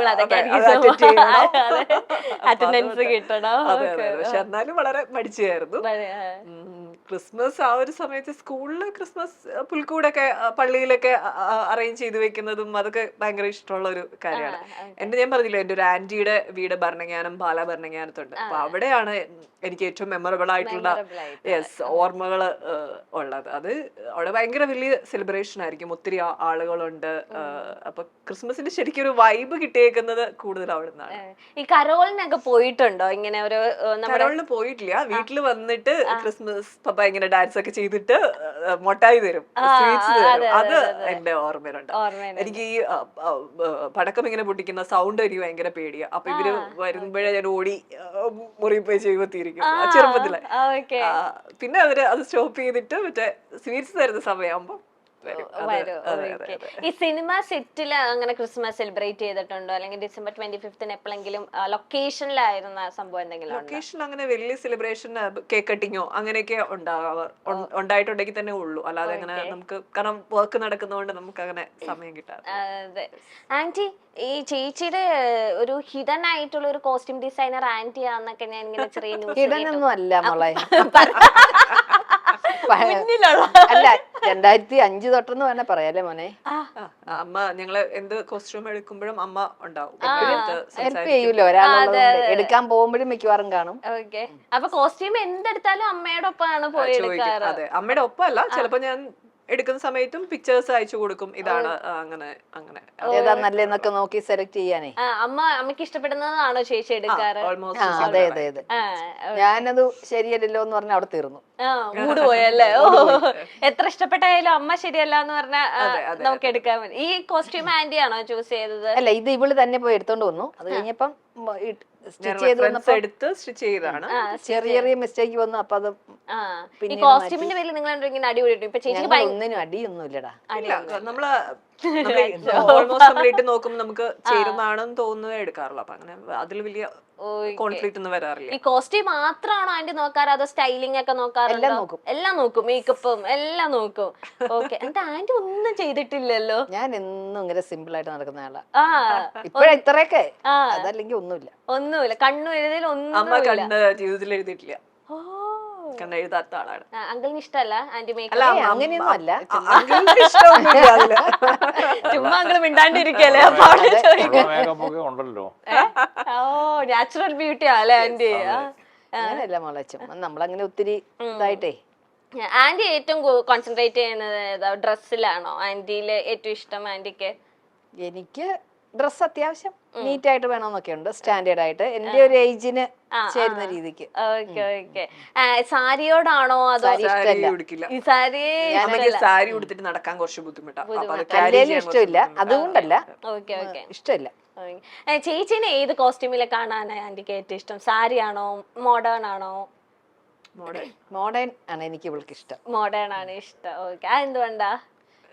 A: അറ്റൻഡൻസ് കിട്ടണം.
C: പക്ഷെ എന്നാലും വളരെ മടിച്ചായിരുന്നു. ക്രിസ്മസ് ആ ഒരു സമയത്ത് സ്കൂളില് ക്രിസ്മസ് പുൽക്കൂടൊക്കെ പള്ളിയിലൊക്കെ അറേഞ്ച് ചെയ്ത് വെക്കുന്നതും അതൊക്കെ ഭയങ്കര ഇഷ്ടമുള്ള ഒരു കാര്യമാണ്. എന്റെ ഞാൻ പറഞ്ഞില്ല, എന്റെ ഒരു ആന്റിയുടെ വീട് ഭരണങ്ങാനം പാലാ ഭരണങ്ങാനത്തുണ്ട്. അപ്പൊ അവിടെയാണ് എനിക്ക് ഏറ്റവും മെമ്മറബിൾ ആയിട്ടുള്ള യെസ് ഓർമ്മകള് ഉള്ളത്. അത് അവിടെ ഭയങ്കര വലിയ സെലിബ്രേഷൻ ആയിരിക്കും, ഒത്തിരി ആളുകളുണ്ട്. അപ്പൊ ക്രിസ്മസിന്റെ ശരിക്കും ഒരു വൈബ് കിട്ടിയേക്കുന്നത് കൂടുതൽ അവിടെ നിന്നാണ്.
A: ഈ കരോളിനൊക്കെ പോയിട്ടുണ്ടോ? ഇങ്ങനെ ഒരു
C: കരോളിന് പോയിട്ടില്ല. വീട്ടിൽ വന്നിട്ട് ക്രിസ്മസ് പപ്പ ഇങ്ങനെ ഡാൻസ് ഒക്കെ ചെയ്തിട്ട് മൊട്ടായി തരും, സ്വീറ്റ്സ് തരും. അത് എന്റെ ഓർമ്മയിലുണ്ട്. എനിക്ക് ഈ പടക്കം ഇങ്ങനെ പൊട്ടിക്കുന്ന സൗണ്ട് എനിക്ക് ഭയങ്കര പേടിയാ. അപ്പൊ ഇവര് വരുമ്പോഴേ ഞാൻ ഓടി മുറി പോയി ചെയ്യുമ്പോത്തിരിക്കും ചെറുപ്പത്തില്. പിന്നെ അവര് അത് സ്റ്റോപ്പ് ചെയ്തിട്ട് മറ്റേ സ്വീറ്റ്സ് തരുന്ന സമയമാകുമ്പോ
A: ഈ സിനിമ സെറ്റില് അങ്ങനെ ക്രിസ്മസ് സെലിബ്രേറ്റ് ചെയ്തിട്ടുണ്ടോ? അല്ലെങ്കിൽ ഡിസംബർ ട്വന്റി ഫിഫ്ത്തിന് എപ്പോഴെങ്കിലും ലൊക്കേഷനിലായിരുന്ന സംഭവം എന്തെങ്കിലും?
C: ലൊക്കേഷൻ അങ്ങനെ വലിയ സെലിബ്രേഷൻ കേക്ക് കട്ടിങ്ങോ അങ്ങനെയൊക്കെ ഉണ്ടാവാർ ഉണ്ടായിട്ടുണ്ടെങ്കിൽ തന്നെ ഉള്ളൂ. അല്ലാതെ അങ്ങനെ നമുക്ക്, കാരണം വർക്ക് നടക്കുന്നതുകൊണ്ട് നമുക്ക് അങ്ങനെ സമയം കിട്ടാതെ.
A: അതെ. ആന്റി, ഈ ചേച്ചിയുടെ ഒരു ഹിഡൻ ആയിട്ടുള്ള ഒരു കോസ്റ്റ്യൂം ഡിസൈനർ ആന്റി ആന്നൊക്കെ ഞാൻ ഇങ്ങനെ ചെറിയ ന്യൂസ്.
B: ഹിഡൻ ഒന്നും അല്ല മോളെ, അല്ല രണ്ടായിരത്തി അഞ്ച് തൊട്ടെന്ന് വേണേ പറയാല്ലേ മോനെ.
C: അമ്മ ഞങ്ങള് എന്ത് കോസ്റ്റ്യൂം എടുക്കുമ്പോഴും അമ്മ ഉണ്ടാവും,
B: ഹെൽപ്പ് ചെയ്യൂലോ ഒരാളുള്ളത്. എടുക്കാൻ പോകുമ്പോഴും മിക്കവാറും കാണും.
A: ഓക്കെ, അപ്പൊ കോസ്റ്റ്യൂം എന്തെടുത്താലും അമ്മയുടെ ഒപ്പമാണ് പോയി എടുക്കാറ്?
C: അതെ, അമ്മയുടെ ഒപ്പം അല്ല, ചിലപ്പോ ഞാൻ എടുക്കുന്ന സമയത്തും പിക്ചേഴ്സ് അയച്ചു കൊടുക്കും, ഇതാണ് അങ്ങനെ അങ്ങനെ
B: ഏതാ നല്ലതെന്നൊക്കെ നോക്കി സെലക്ട് ചെയ്യാനേ.
A: അമ്മ അമ്മക്ക് ഇഷ്ടപ്പെടുന്നതാണോ ചേച്ചി എടുക്കാറ്?
B: അതെ അതെ അതെ. ഞാനത് ശരിയല്ലല്ലോ എന്ന് പറഞ്ഞ അവിടെ തീർന്നു.
A: മൂട് പോയല്ലേ? ഓ, എത്ര ഇഷ്ടപ്പെട്ടായാലും അമ്മ ശരിയല്ല എന്ന് പറഞ്ഞാൽ നമുക്ക് എടുക്കാൻ പറ്റും. ഈ കോസ്റ്റ്യൂം ആന്റി ആണോ ചൂസ് ചെയ്തത്?
B: അല്ല, ഇത് ഇവള് തന്നെ പോയി എടുത്തോണ്ട് വന്നു. അത് കഴിഞ്ഞപ്പം
C: എടുത്ത് സ്റ്റിച്ച് ചെയ്താണ്.
B: ചെറിയ ചെറിയ മിസ്റ്റേക്ക് വന്നു. അപ്പൊ അത്
A: ഈ കോസ്റ്റ്യൂമിന്റെ പേരിൽ നിങ്ങൾ ഇങ്ങനെ അടിപൊളി ഇപ്പൊ ചേച്ചിക്ക്
B: ഒന്നിനും അടിയൊന്നും ഇല്ലടാ.
C: നമ്മള് ഓൾമോസ്റ്റ് നമ്മൾ ഇട്ട് നോക്കുമ്പോൾ നമുക്ക് ചേരുന്നതാണെന്ന് തോന്നുന്നതേ എടുക്കാറുള്ളൂ. അപ്പൊ അങ്ങനെ അതിൽ വലിയ കോൺഫ്ലിക്റ്റ് ഒന്നും വരാറില്ല.
A: ഈ കോസ്റ്റ്യൂം മാത്രമാണോ ആന്റി നോക്കാറ്, അതോ സ്റ്റൈലിംഗ് ഒക്കെ നോക്കാറുണ്ടോ?
B: എല്ലാം നോക്കും.
A: എല്ലാം നോക്കും, മേക്കപ്പും എല്ലാം നോക്കും. ഓക്കെ, എന്താ ആന്റി ഒന്നും ചെയ്തിട്ടില്ലല്ലോ?
B: ഞാൻ എന്നും ഇങ്ങനെ സിമ്പിൾ ആയിട്ട് നടക്കുന്ന ആളാ. ഇപ്പഴാ ഇത്രയൊക്കെ, അതല്ലെങ്കിൽ ഒന്നുമില്ല.
A: ഒന്നുമില്ല, കണ്ണു എഴുതിയിൽ ഒന്നും
C: അമ്മ കണ്ണ് ജീവിതത്തിൽ എഴുതിയിട്ടില്ല, കണ്ണ് എഴുതാത്ത ആളാണ്.
A: അങ്കിളിന് ഇഷ്ടമല്ല ആന്റി മേക്കപ്പ്?
B: അങ്ങനെയൊന്നും അല്ല,
A: ചുമ്മാ അങ്കിള് മിണ്ടാണ്ടിരിക്കല്ലേ, അപ്പൊ
D: ഉണ്ടല്ലോ.
A: ഓ, നാച്ചുറൽ ബ്യൂട്ടി അല്ലേ ആന്റി?
B: അങ്ങനെയല്ല മോളെ, ചുമ്മാ നമ്മളങ്ങനെ ഒത്തിരി ഇതായിട്ടേ.
A: ആന്റി ഏറ്റവും കോൺസെൻട്രേറ്റ് ചെയ്യുന്നത് ഡ്രസ്സിലാണോ? ആന്റിയില് ഏറ്റവും ഇഷ്ടം ആന്റിക്ക്?
B: എനിക്ക് ഡ്രസ് അത്യാവശ്യം നീറ്റ് ആയിട്ട് വേണമെന്നൊക്കെ ഉണ്ട്, സ്റ്റാൻഡേർഡ് ആയിട്ട്, എന്റെ ഒരു ഏജിന് ചേരുന്ന രീതിക്ക്.
A: Okay okay. സാരിയോടാണോ അതോ?
C: സാരി ഉടുത്തിട്ട് നടക്കാൻ കുറച്ച് ബുദ്ധിമുട്ടാണ്,
B: ഇഷ്ടമില്ല, അതുകൊണ്ടല്ല, ഇഷ്ടമില്ല.
A: ചേച്ചിനെ ഏത് കോസ്റ്റ്യൂമിലെ കാണാനാണ് ആന്റിക്ക് ഏറ്റവും ഇഷ്ടം? സാരി ആണോ, മോഡേൺ ആണോ?
B: മോഡേൺ ആണ് എനിക്ക് ഇവൾക്ക് ഇഷ്ടം.
A: മോഡേൺ ആണ് ഇഷ്ടം. ഓക്കെ, അതെന്തുകൊണ്ടാ?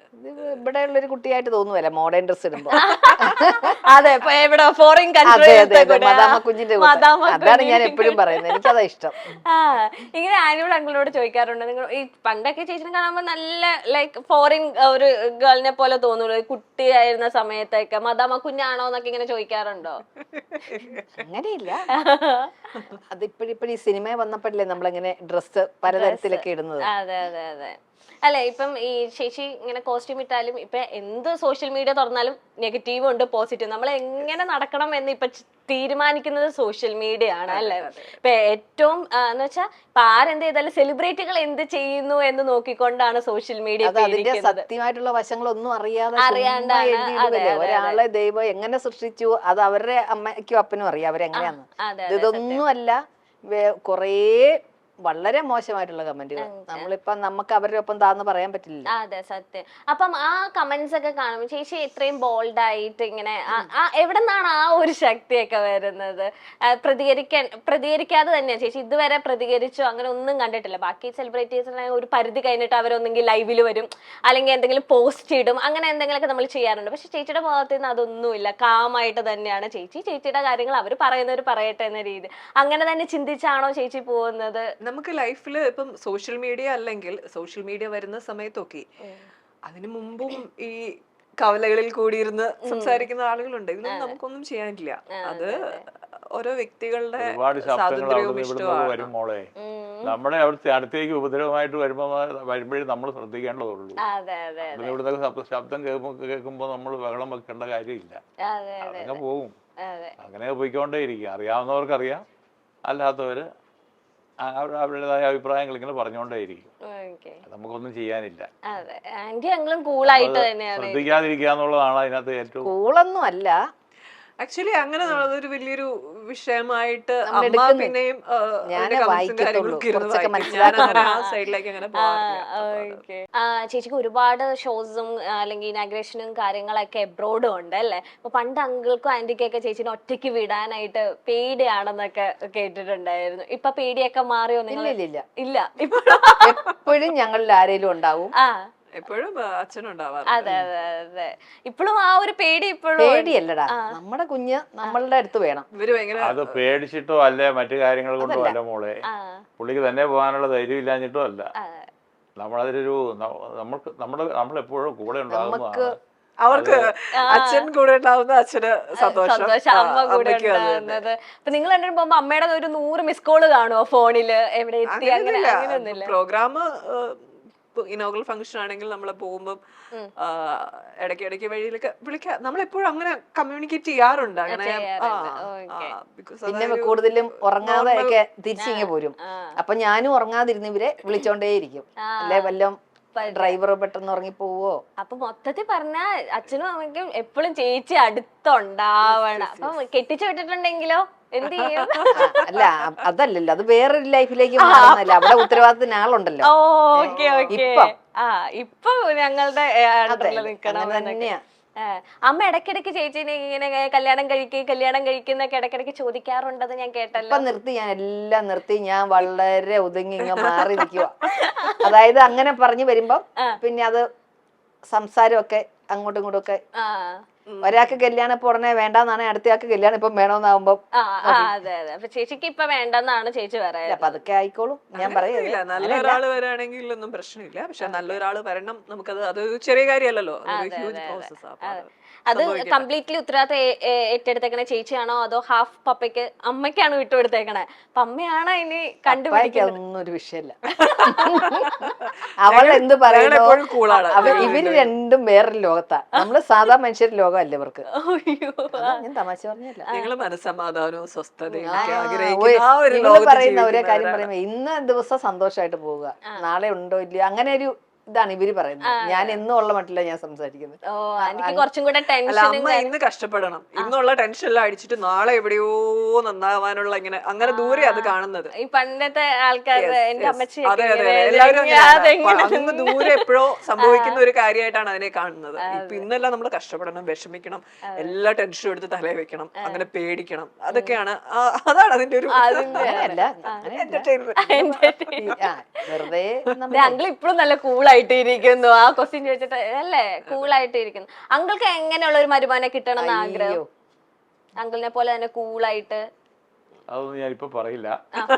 B: ഇത് ഇവിടെ ഉള്ളൊരു കുട്ടിയായിട്ട് തോന്നുവല്ല മോഡേൺ ഡ്രസ് ഇടുമ്പോ.
A: അതെ, ഇപ്പൊ എവിടെ ഫോറിൻ
B: അതെ അതെ അതെ മദാമ കുഞ്ഞിന്റെ കൂട്ട്. അതാണ് ഞാൻ എപ്പോഴും പറയുന്നത്, എനിക്കതാ ഇഷ്ടം.
A: ആ ഇങ്ങനെ ആനുവൽ അങ്കിളിനോട് ചോദിക്കാറുണ്ട്, നിങ്ങൾ ഈ പണ്ടൊക്കെ ചേച്ചിനെ കാണുമ്പോ നല്ല ലൈക്ക് ഫോറിൻ ഒരു ഗേളിനെ പോലെ തോന്നുള്ളൂ, കുട്ടിയായിരുന്ന സമയത്തൊക്കെ മദാമ കുഞ്ഞാണോ എന്നൊക്കെ ഇങ്ങനെ ചോദിക്കാറുണ്ടോ?
B: അങ്ങനെയില്ല, അത് ഇപ്പോഴിപ്പോഴും ഈ സിനിമ വന്നപ്പോഴല്ലേ നമ്മളിങ്ങനെ ഡ്രസ്സ് പലതരത്തിലൊക്കെ ഇടുന്നത്.
A: അതെ അതെ അതെ. അല്ലെ ഇപ്പം ഈ ചേച്ചി ഇങ്ങനെ കോസ്റ്റ്യൂം ഇട്ടാലും ഇപ്പൊ എന്ത് സോഷ്യൽ മീഡിയ തുറന്നാലും നെഗറ്റീവ് ഉണ്ട് പോസിറ്റീവ്, നമ്മൾ എങ്ങനെ നടക്കണം എന്ന് ഇപ്പൊ തീരുമാനിക്കുന്നത് സോഷ്യൽ മീഡിയ ആണ് അല്ലെ. ഇപ്പൊ ഏറ്റവും എന്ന് വെച്ചാൽ ഇപ്പൊ ആരെന്ത് ചെയ്താലും സെലിബ്രിറ്റികൾ എന്ത് ചെയ്യുന്നു എന്ന് നോക്കിക്കൊണ്ടാണ് സോഷ്യൽ മീഡിയ.
B: അതിന്റെ സത്യമായിട്ടുള്ള വശങ്ങളൊന്നും അറിയാതെ അറിയാണ്ടാണ് ഒരാളെ ദൈവം എങ്ങനെ സൃഷ്ടിച്ചു അത് അവരുടെ അമ്മയ്ക്കും അപ്പനും അറിയാം അവരെങ്ങനെയാന്ന്. ഇതൊന്നും അല്ല, കൊറേ വളരെ മോശമായിട്ടുള്ള കമന്റുകൾ. നമ്മളിപ്പം നമുക്ക് അവരുടെ ഒപ്പം താന്ന് പറയാൻ പറ്റില്ല.
A: അതെ സത്യം. അപ്പം ആ കമന്റ്സ് ഒക്കെ കാണുമ്പോൾ ചേച്ചി എത്രയും ബോൾഡ് ആയിട്ട് ഇങ്ങനെ എവിടെ നിന്നാണ് ആ ഒരു ശക്തിയൊക്കെ വരുന്നത്? പ്രതികരിക്കാൻ പ്രതികരിക്കാതെ തന്നെയാണ് ചേച്ചി ഇതുവരെ പ്രതികരിച്ചോ അങ്ങനെ ഒന്നും കണ്ടിട്ടില്ല. ബാക്കി സെലിബ്രിറ്റീസിനെ ഒരു പരിധി കഴിഞ്ഞിട്ട് അവരൊന്നെങ്കിൽ ലൈവിൽ വരും, അല്ലെങ്കിൽ എന്തെങ്കിലും പോസ്റ്റ് ഇടും, അങ്ങനെ എന്തെങ്കിലുമൊക്കെ നമ്മൾ ചെയ്യാറുണ്ട്. പക്ഷെ ചേച്ചിയുടെ ഭാഗത്ത് നിന്ന് അതൊന്നുമില്ല, കാമായിട്ട് തന്നെയാണ് ചേച്ചി ചേച്ചിയുടെ കാര്യങ്ങൾ അവർ പറയുന്നവർ പറയട്ടെ എന്ന രീതി. അങ്ങനെ തന്നെ ചിന്തിച്ചാണോ ചേച്ചി പോകുന്നത്?
C: നമുക്ക് ലൈഫിൽ ഇപ്പം സോഷ്യൽ മീഡിയ അല്ലെങ്കിൽ സോഷ്യൽ മീഡിയ വരുന്ന സമയത്തൊക്കെ അതിനു മുമ്പും ഈ കവലകളിൽ കൂടിയിരുന്ന് സംസാരിക്കുന്ന ആളുകളുണ്ട്. ഇതിനൊന്നും നമുക്കൊന്നും ചെയ്യാനില്ല. അത് ഓരോ വ്യക്തികളുടെ സ്വാതന്ത്ര്യവും ഇഷ്ടമാണ്.
D: മോളെ നമ്മുടെ അവിടുത്തെ അടുത്തേക്ക് ഉപദ്രവമായിട്ട് വരുമ്പോ വരുമ്പോഴേ നമ്മൾ ശ്രദ്ധിക്കേണ്ടതുള്ളൂ. ഇവിടുത്തെ ശബ്ദം കേൾക്കുമ്പോ നമ്മൾ ബഹളം വെക്കേണ്ട കാര്യമില്ല, അതങ്ങനെ പോവും. അങ്ങനെ പോയിക്കൊണ്ടേ ഇരിക്കും. അറിയാവുന്നവർക്ക് അറിയാം, അല്ലാത്തവര് അവരുടേതായ അഭിപ്രായങ്ങൾ ഇങ്ങനെ പറഞ്ഞുകൊണ്ടേയിരിക്കും. നമുക്കൊന്നും ചെയ്യാനില്ല. ശ്രദ്ധിക്കാതിരിക്കുക എന്നുള്ളതാണ് അതിനകത്ത് ഏറ്റവും.
B: കൂളൊന്നും അല്ല
C: ആക്ച്വലി അങ്ങനെ ഒരു വലിയൊരു വിഷയമായിട്ട് അമ്മ പിന്നെയും
A: ചേച്ചിക്ക് ഒരുപാട് ഷോസും അല്ലെങ്കിൽ ഇനാഗ്രേഷനും കാര്യങ്ങളൊക്കെ എബ്രോഡും ഉണ്ട് അല്ലേ. അപ്പൊ പണ്ട് അങ്കിൾക്കും ആന്റിക്കൊക്കെ ചേച്ചിനെ ഒറ്റയ്ക്ക് വിടാനായിട്ട് പേടിയാണെന്നൊക്കെ കേട്ടിട്ടുണ്ടായിരുന്നു. ഇപ്പൊ പേടിയൊക്കെ മാറിയോ നിങ്ങൾ? ഇല്ല,
B: എപ്പോഴും ഞങ്ങളിൽ ആരെങ്കിലും ഉണ്ടാവും.
A: ആ
C: എപ്പോഴും അച്ഛനുണ്ടാവാറ്.
A: അതെ അതെ അതെ. ഇപ്പോഴും ആ ഒരു പേടി ഇപ്പോഴും
B: പേടിയല്ലടാ, നമ്മുടെ കുഞ്ഞ് നമ്മളുടെ അടുത്ത് വേണം.
D: അത് പേടിച്ചിട്ടോ അല്ലേ മറ്റു കാര്യങ്ങൾ കൊണ്ടോ അല്ല മോളെ, പുള്ളിക്ക് തന്നെ പോകാനുള്ള ധൈര്യം ഇല്ലാഞ്ഞിട്ടോ അല്ല. നമ്മളതിലൊരു നമ്മൾക്ക് നമ്മുടെ നമ്മളെപ്പോഴും കൂടെ ഉണ്ടാകുന്നതാണ്.
C: അവർക്ക് അച്ഛൻ കൂടെ ഉണ്ടാവുന്ന അച്ഛന് സന്തോഷം,
A: അമ്മ കൂടെ ഉണ്ടാകുന്നത്. അപ്പൊ നിങ്ങൾ രണ്ടും പോകുമ്പോ അമ്മയുടെ ഒരു നൂറ് മിസ് കോള് കാണുമോ ഫോണില്, എവിടെ എത്തി? അങ്ങനെ അങ്ങനെയൊന്നുമില്ല.
C: പ്രോഗ്രാം ഇനോഗ്രൽ ഫംഗ്ഷൻ ആണെങ്കിൽ നമ്മളെ പോകുമ്പോൾ ഇടയ്ക്ക് ഇടയ്ക്ക് വഴിയിലൊക്കെ വിളിക്കാം. നമ്മളെപ്പോഴും അങ്ങനെ കമ്മ്യൂണിക്കേറ്റ് ചെയ്യാറുണ്ട്. അങ്ങനെ
B: പിന്നെ കൂടുതലും ഉറങ്ങാതെ ഒക്കെ തിരിച്ചിങ്ങ് പോരും. അപ്പൊ ഞാനും ഉറങ്ങാതിരുന്ന് ഇവരെ വിളിച്ചോണ്ടേയിരിക്കും, അല്ലെ വല്ലതും ഡ്രൈവർ പെട്ടെന്ന് ഉറങ്ങി പോവോ.
A: അപ്പൊ മൊത്തത്തിൽ പറഞ്ഞ അച്ഛനും അമ്മയ്ക്കും എപ്പോഴും ചേച്ചി അടുത്തുണ്ടാവണം. അപ്പൊ കെട്ടിച്ചു വിട്ടിട്ടുണ്ടെങ്കിലോ എന്ത് ചെയ്യും?
B: അല്ല അതല്ലല്ലോ, അത് വേറൊരു ലൈഫിലേക്ക് മാറുന്നല്ല. അവിടെ ഉത്തരവാദിത്തത്തിന് ആളുണ്ടല്ലോ.
A: Okay okay. ആ ഇപ്പൊ ഞങ്ങളുടെ നിക്കണം
B: തന്നെയാ.
A: അമ്മ ഇടയ്ക്കിടയ്ക്ക് ചേച്ചിനെ ഇങ്ങനെ കല്യാണം കഴിക്കുക കല്യാണം കഴിക്കുന്നൊക്കെ ഇടയ്ക്കിടയ്ക്ക് ചോദിക്കാറുണ്ടെന്ന് ഞാൻ കേട്ടല്ലോ.
B: ഇപ്പൊ നിർത്തി, ഞാൻ എല്ലാം നിർത്തി. ഞാൻ വളരെ ഒതുങ്ങി ഇങ്ങ മാറി നിൽക്കുക. അതായത് അങ്ങനെ പറഞ്ഞു വരുമ്പം പിന്നെ അത് സംസാരമൊക്കെ അങ്ങോട്ടും ഇങ്ങോട്ടും ഒക്കെ. ഒരാൾക്ക് കല്യാണം ഇപ്പൊ ഉടനെ വേണ്ടെന്നാണ്, അടുത്തയാൾക്ക് കല്യാണം ഇപ്പം വേണമെന്നാവുമ്പോ
A: അതെ അതെ. അപ്പൊ ചേച്ചിക്ക് ഇപ്പൊ വേണ്ടെന്നാണ് ചേച്ചി പറയാം.
B: അപ്പൊ അതൊക്കെ ആയിക്കോളും. ഞാൻ
C: പറയുന്നില്ല, നല്ലൊരാള് വരാണെങ്കിൽ ഒന്നും പ്രശ്നമില്ല. പക്ഷെ നല്ലൊരാള് വരണം, നമുക്കത് അതൊരു ചെറിയ കാര്യമല്ലല്ലോ,
A: അത് കംപ്ലീറ്റ്ലി ഉത്തരവാദിത്തം ഏറ്റെടുത്തേക്കണേ ചേച്ചിയാണോ അതോ ഹാഫ് പപ്പയ്ക്ക് അമ്മയ്ക്കാണ് വിട്ടുകൊടുത്തേക്കണേ? അപ്പൊ അമ്മയാണോ ഇനി കണ്ടുപിടിക്കുന്നത്?
B: ഒരു വിഷയമല്ല. അവൾ എന്ത് പറയുന്നു, ഇവര് രണ്ടും വേറൊരു ലോകത്താ. നമ്മള് സാധാ മനുഷ്യരുടെ ലോകമല്ല ഇവർക്ക്. ഞാൻ തമാശ പറഞ്ഞല്ല.
C: നിങ്ങള് മനസ്സമാധാനവും സ്വസ്ഥതയും
B: പറയുന്ന ഒരേ കാര്യം പറയുമ്പോ ഇന്ന് ദിവസം സന്തോഷമായിട്ട് പോവുക, നാളെ ഉണ്ടോ ഇല്ലയോ, അങ്ങനെ ഒരു ഇതാണ് ഇവര് പറയുന്നത്. ഞാൻ എന്നും ഉള്ള മട്ടില്ല ഞാൻ സംസാരിക്കുന്നത്.
C: അമ്മ ഇന്ന് കഷ്ടപ്പെടണം, ഇന്നുള്ള ടെൻഷനെല്ലാം അടിച്ചിട്ട് നാളെ എവിടെയോ നന്നാവാനുള്ള ഇങ്ങനെ അങ്ങനെ ദൂരെ അത് കാണുന്നത്.
A: ഈ പണ്ടത്തെ ആൾക്കാർ
C: അതെ അതെ എല്ലാവരും അങ്ങ് ദൂരെ എപ്പോഴോ സംഭവിക്കുന്ന ഒരു കാര്യമായിട്ടാണ് അതിനെ കാണുന്നത്. ഇപ്പൊ ഇന്നെല്ലാം നമ്മൾ കഷ്ടപ്പെടണം, വിഷമിക്കണം, എല്ലാ ടെൻഷനും എടുത്ത് തലേ വെക്കണം, അങ്ങനെ പേടിക്കണം. അതൊക്കെയാണ്, അതാണ് അതിന്റെ ഒരു
B: വെറുതെ
A: അങ്കിൾ ഇപ്പോഴും നല്ല കൂളായിട്ട് ഇരിക്കുന്നു. ആ ക്വസ്റ്റ്യൻ ചോദിച്ചിട്ട് അല്ലേ കൂളായിട്ട് ഇരിക്കുന്നു. അങ്കിൾക്ക് എങ്ങനെയുള്ള ഒരു മരുമാനെ കിട്ടണം എന്ന് ആഗ്രഹം? അങ്കിളിനെ പോലെ തന്നെ കൂളായിട്ട്.
D: അതൊന്നും ഞാനിപ്പോ പറയില്ല,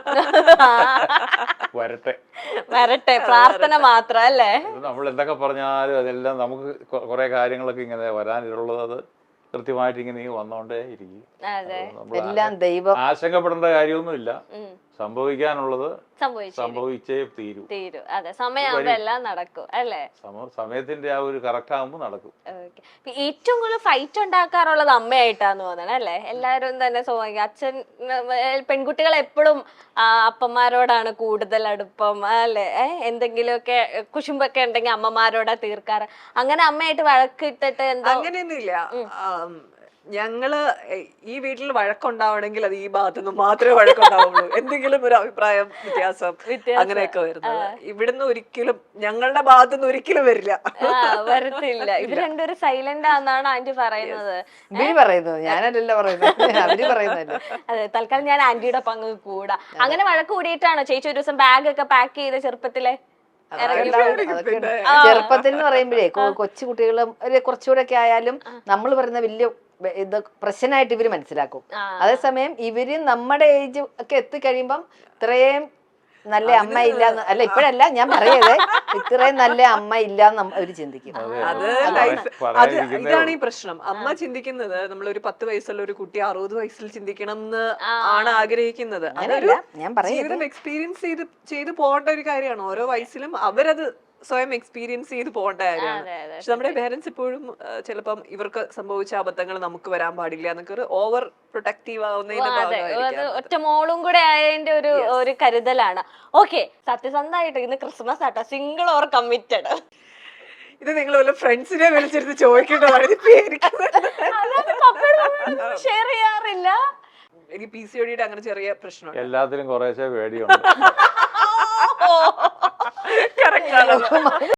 D: വരട്ടെ
A: വരട്ടെ, പ്രാർത്ഥന മാത്രം അല്ലേ.
D: നമ്മൾ എന്തൊക്കെ പറഞ്ഞാലും അതെല്ലാം നമുക്ക് കുറെ കാര്യങ്ങളൊക്കെ ഇങ്ങനെ വരാനുള്ളത് അത് കൃത്യമായിട്ട് ഇങ്ങനെ വന്നോണ്ടേ ഇരിക്കും.
B: എല്ലാം ദൈവം.
D: ആശങ്കപ്പെടേണ്ട കാര്യമൊന്നുമില്ല, സംഭവിക്കാനുള്ളത് സംഭവിച്ചേ തീരൂ
A: തീരൂ അതെ, സമയമാകുമ്പോ എല്ലാം നടക്കും അല്ലേ.
D: സമയത്തിന്റെ ആ ഒരു കറക്റ്റ് ആകുമ്പോ നടക്കും.
A: ഏറ്റവും കൂടുതൽ ഫൈറ്റ് ഉണ്ടാക്കാറുള്ളത് അമ്മയായിട്ടാന്ന് തോന്നണം അല്ലേ. എല്ലാരും തന്നെ സ്വാഭാവികം, അച്ഛൻ പെൺകുട്ടികൾ എപ്പോഴും അപ്പന്മാരോടാണ് കൂടുതൽ അടുപ്പം അല്ലേ. എന്തെങ്കിലുമൊക്കെ കുശുമ്പൊക്കെ ഉണ്ടെങ്കിൽ അമ്മമാരോടാ തീർക്കാറ്. അങ്ങനെ അമ്മയായിട്ട് വഴക്കിട്ടിട്ട് എന്താ?
C: അങ്ങനെയൊന്നുമില്ല. ഞങ്ങള് ഈ വീട്ടിൽ വഴക്കുണ്ടാവണമെങ്കിൽ അത് ഈ ഭാഗത്തുനിന്ന് മാത്രമേ വഴക്കുണ്ടാവുള്ളൂ. എന്തെങ്കിലും ഒരു അഭിപ്രായം വ്യത്യാസം അങ്ങനെയൊക്കെ വരുന്നത് ഇവിടുന്ന് ഒരിക്കലും ഞങ്ങളുടെ ഭാഗത്തുനിന്ന് ഒരിക്കലും വരില്ല,
A: വരത്തില്ല. ഇവർ രണ്ടുപേരും സൈലന്റ് ആണെന്നാണ് ആന്റി പറയുന്നത്.
B: ഇവര് പറയുന്നത്, ഞാനല്ലല്ലോ പറയുന്നത്, അവര് പറയുന്നത്.
A: അതെ, തൽക്കാലം ഞാൻ ആന്റിയുടെ പങ്ക് കൂടാ. അങ്ങനെ വഴക്ക് കൂടിയിട്ടാണോ ചേച്ചി ഒരു ദിവസം ബാഗ് ഒക്കെ പാക്ക് ചെയ്ത് ചെറുപ്പത്തിലെ?
B: ചെറുപ്പത്തിൽ എന്ന് പറയുമ്പോഴേ കൊച്ചു കുട്ടികളും കുറച്ചുകൂടെ ഒക്കെ ആയാലും നമ്മൾ പറയുന്ന വലിയ ഇത് പ്രശ്നമായിട്ട് ഇവര് മനസ്സിലാക്കും. അതേസമയം ഇവര് നമ്മുടെ ഏജ് ഒക്കെ എത്തിക്കഴിയുമ്പം ഇത്രയും നല്ല അമ്മ ഇല്ല, അല്ല ഇപ്പഴല്ല ഞാൻ പറയതേ, ഇത്രയും നല്ല അമ്മ ഇല്ലാന്ന് അവര് ചിന്തിക്കും.
C: അത് ലൈഫ്, അത് ഇതാണ് ഈ പ്രശ്നം. അമ്മ ചിന്തിക്കുന്നത് നമ്മളൊരു പത്ത് വയസ്സുള്ള ഒരു കുട്ടി അറുപത് വയസ്സിൽ ചിന്തിക്കണം എന്ന് ആണ് ആഗ്രഹിക്കുന്നത്. അതൊരു ജീവിതം എക്സ്പീരിയൻസ് ചെയ്ത് ചെയ്ത് പോകേണ്ട ഒരു കാര്യമാണ്. ഓരോ വയസ്സിലും അവരത് സ്വയം എക്സ്പീരിയൻസ് ചെയ്ത് പോകേണ്ട കാര്യമാണ്. പക്ഷെ നമ്മുടെ പേരൻസ് ഇപ്പോഴും ചിലപ്പം ഇവർക്ക് സംഭവിച്ച അബദ്ധങ്ങൾ നമുക്ക് വരാൻ പാടില്ല എന്നൊക്കെ ഒരു ഓവർ പ്രൊട്ടക്റ്റീവ് ആവുന്നതിന്റെ
A: ഒറ്റ മോളും കൂടെ ആയതിന്റെ ഒരു ഒരു കരുതലാണ്. ഓക്കെ, സത്യസന്ധമായിട്ട് ഇന്ന് ക്രിസ്മസ് ആട്ടോ, സിംഗിൾ ഓർ കമ്മിറ്റഡ്?
C: ഇത് നിങ്ങൾ വല്ല ഫ്രണ്ട്സിനെ വിളിച്ചെടുത്ത് ചോദിക്കേണ്ടതാണ്.
A: ഷെയർ ചെയ്യാറില്ല.
C: എനിക്ക് പി സി ഒ ഡിയുടെ അങ്ങനെ ചെറിയ പ്രശ്നം,
D: എല്ലാത്തിലും കുറേശ്ശെ പേടിയുണ്ട്.
C: കറക്റ്റ് ആണ്.